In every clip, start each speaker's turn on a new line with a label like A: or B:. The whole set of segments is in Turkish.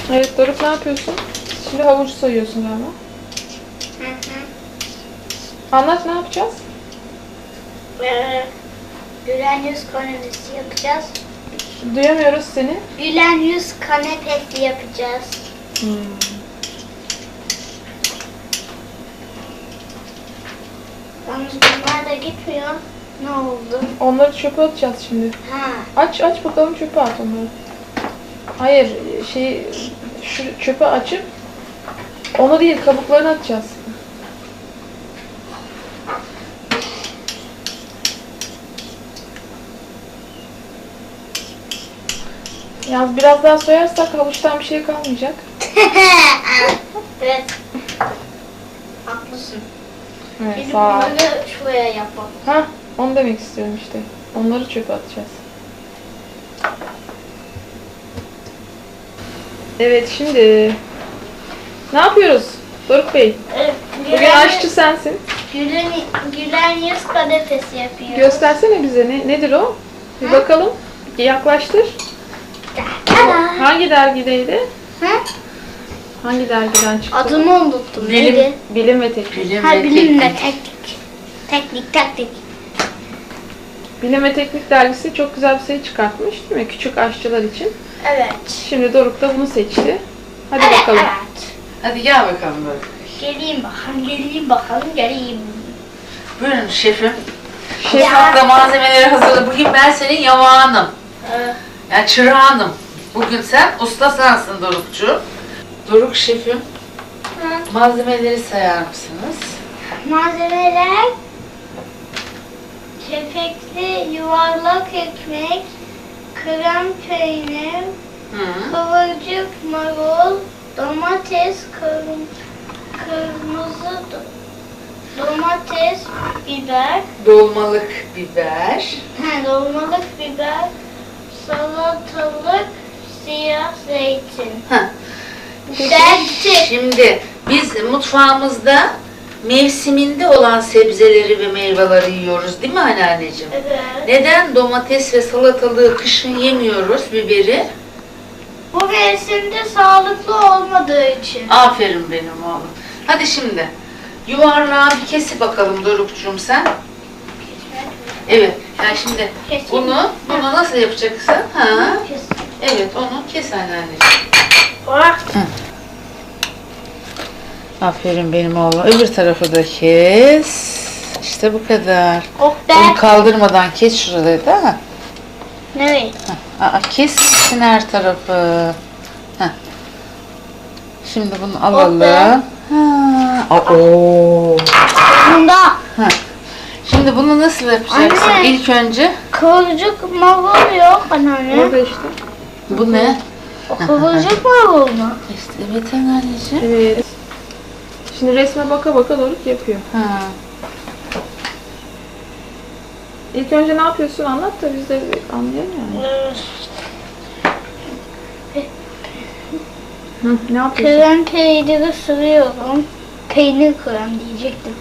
A: Evet Doruk, ne yapıyorsun? Şimdi havuç soyuyorsun galiba.
B: Hı.
A: Anlat, ne yapacağız?
B: Gülen yüz kanepesi yapacağız.
A: Duyamıyoruz seni.
B: Gülen yüz kanepesi yapacağız. Yalnız bunlar da gitmiyor. Ne oldu?
A: Onları çöpe atacağız şimdi.
B: Ha.
A: Aç bakalım, çöpe at onları. Hayır, şu çöpe açıp onu değil, kabuklarını atacağız. Yalnız biraz daha soyarsak havuçtan bir şey kalmayacak.
B: Evet. Haklısın.
A: Evet,
B: Biz
A: sağ ol.
B: bunları şuraya yapalım.
A: Hah, onu demek istiyorum işte. Onları çöpe atacağız. Evet, şimdi ne yapıyoruz Doruk Bey?
B: Evet,
A: Bugün aşçı sensin.
B: Gülen yüz kanepesi yapıyoruz.
A: Göstersene bize, nedir o? Bir bakalım. Yaklaştır. Hangi dergideydi?
B: Hı?
A: Hangi dergiden çıktı?
B: Adını unuttum. Neydi?
A: Bilim ve Teknik.
B: Bilim ve teknik. Teknik.
A: Bilim ve Teknik dergisi çok güzel bir sayı çıkartmış değil mi? Küçük aşçılar için.
B: Evet.
A: Şimdi Doruk da bunu seçti. Hadi bakalım.
B: Evet.
C: Hadi gel bakalım böyle.
B: Geleyim bakalım.
C: Buyurun şefim.
A: Şef,
C: Mutfakta malzemeleri hazırla. Bugün ben senin yamağınım. Yani çırağınım. Bugün sen usta sensin Dorukçu. Doruk şefim. Malzemeleri sayar mısınız?
B: Malzemeler: kepekli yuvarlak ekmek, krem peynir, kıvırcık marul, domates, kırmızı domates, biber,
C: Dolmalık biber.
B: dolmalık biber, salatalık, siyah zeytin.
C: Şimdi biz mutfağımızda mevsiminde olan sebzeleri ve meyveleri yiyoruz değil mi anneanneciğim?
B: Evet.
C: Neden domates ve salatalığı kışın yemiyoruz, biberi?
B: Bu mevsimde sağlıklı olmadığı için.
C: Aferin benim oğlum. Hadi şimdi yuvarlağı bir kesi bakalım Dorukcuğum sen. Evet. Yani şimdi
B: Keseyim mi?
C: bunu nasıl yapacaksın? Ha? Evet, onu kes anneanneciğim. Aferin benim oğlum. Öbür tarafı da kes. İşte bu kadar.
B: Oh be.
C: Onu kaldırmadan kes şurayı da.
B: Evet.
C: Kessin her tarafı. Heh. Şimdi bunu
B: Oh
C: alalım.
B: be. Bunda
C: Şimdi bunu nasıl yapacaksın?
B: Anne.
C: İlk önce
B: kıvırcık marul yok anneanne.
A: orada işte.
C: bu ne?
B: O kıvırcık marul mu?
C: İşte evet anneciğim.
A: Evet. Şimdi resme baka baka Doruk yapıyor. İlk önce ne yapıyorsun, anlat da biz de anlayalım yani. Ne yapıyorsun?
B: Krem peyniri sürüyorum. Peynir krem diyecektim.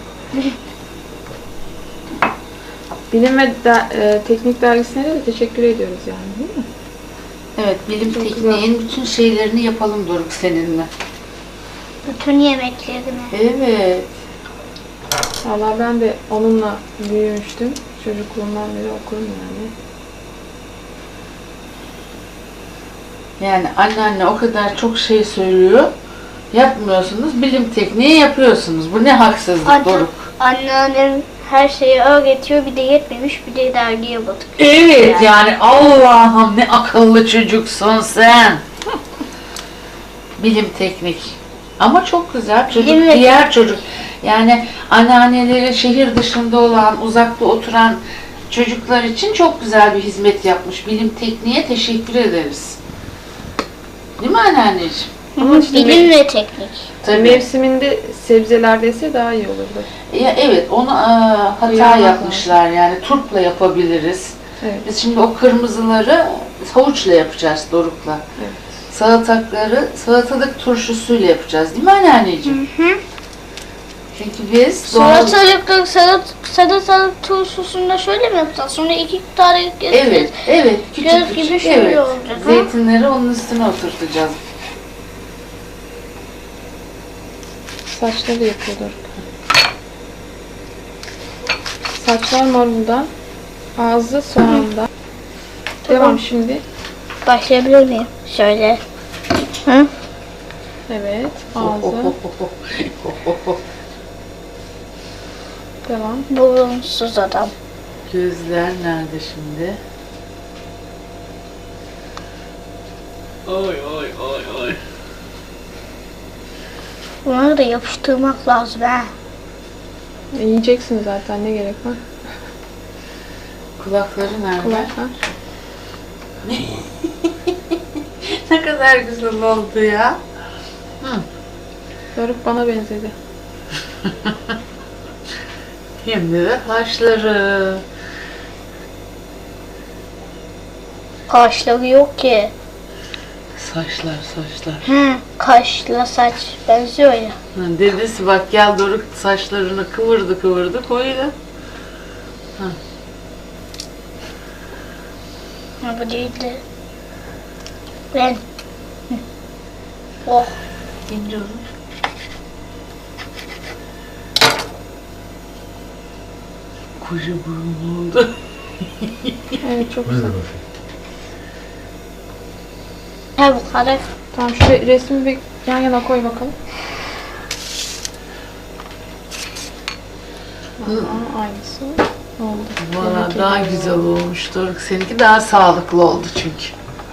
A: Bilim ve Teknik dergisine de teşekkür ediyoruz yani, değil mi?
C: Evet, bilim
A: Çok
C: tekniğin bütün şeylerini yapalım Doruk seninle.
B: Bütün yemeklerini.
C: Evet.
A: Valla ben de onunla büyümüştüm. Çocukluğumdan beri okurum yani.
C: Yani anneanne o kadar çok şey söylüyor. Yapmıyorsunuz, bilim tekniği yapıyorsunuz. Bu ne haksızlık Doruk.
B: Anneannem her şeyi öğretiyor, bir de yetmemiş, bir de dergiye batık.
C: Evet yani Allah'ım ne akıllı çocuksun sen. Bilim teknik. Ama çok güzel çocuk,
B: Bilim ve
C: diğer çocuk. Yani anneanneleri şehir dışında olan, uzakta oturan çocuklar için çok güzel bir hizmet yapmış. Bilim tekniğe teşekkür ederiz. Değil mi anneanneciğim?
A: Ama işte
B: Bilim ve teknik.
C: Tabii.
A: mevsiminde sebzeler dese daha iyi olurdu.
C: Ya evet, onu hata
A: Yapmak
C: yapmışlar yani turpla yapabiliriz.
A: Evet.
C: Biz şimdi o kırmızıları havuçla yapacağız Doruk'la.
A: Evet.
C: Salatalık turşusuyla yapacağız değil mi anneanneciğim? Çünkü biz
B: Salatalık turşusunda şöyle mi yapacağız? Sonra 2 tane
C: evet küçük
B: Göz gibi
C: küçük
B: şöyle olacak, ha?
C: zeytinleri onun üstüne oturtacağız.
A: Saçları yapıyor Doruk. Saçlar maruldan, ağzı soğandan. Devam şimdi.
B: Başlayabilir miyim? Şöyle. Hı?
A: Evet, ağzı. Devam.
B: Burunsuz adam.
C: Gözler nerede şimdi? Oy oy oy oy.
B: Bunları da yapıştırmak lazım ha.
A: Yiyeceksin zaten, ne gerek var?
C: Kulakları nerede?
A: Kulaklar.
C: Ne kadar güzel oldu ya. Hı.
A: Doruk bana benzedi.
C: Şimdi de saçları.
B: Kaşları yok ki.
C: Saçlar.
B: Hı, kaşla saç benziyor ya.
C: Ha, dedesi bak gel Doruk saçlarını kıvırdı koydu.
B: Ha, bu değildi. Ben. Hı. Oh.
C: İnce olur. Koca burun oldu.
A: Evet, çok güzel.
B: Ha, bu kadar.
A: Tamam, şu resmi bir yan yana koy bakalım. Aa, aynısı oldu.
C: Valla
A: Demek ki
C: daha
A: böyle
C: güzel
A: oldu.
C: olmuş Doruk. Seninki daha sağlıklı oldu çünkü.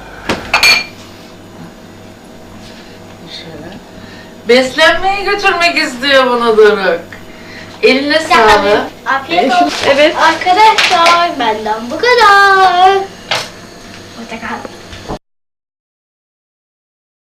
C: Şöyle. Beslenmeye götürmek istiyor bunu Doruk. Eline sağlık.
B: Afiyet olsun.
A: Evet.
B: Arkadaşlar benden bu kadar. Hoşçakal.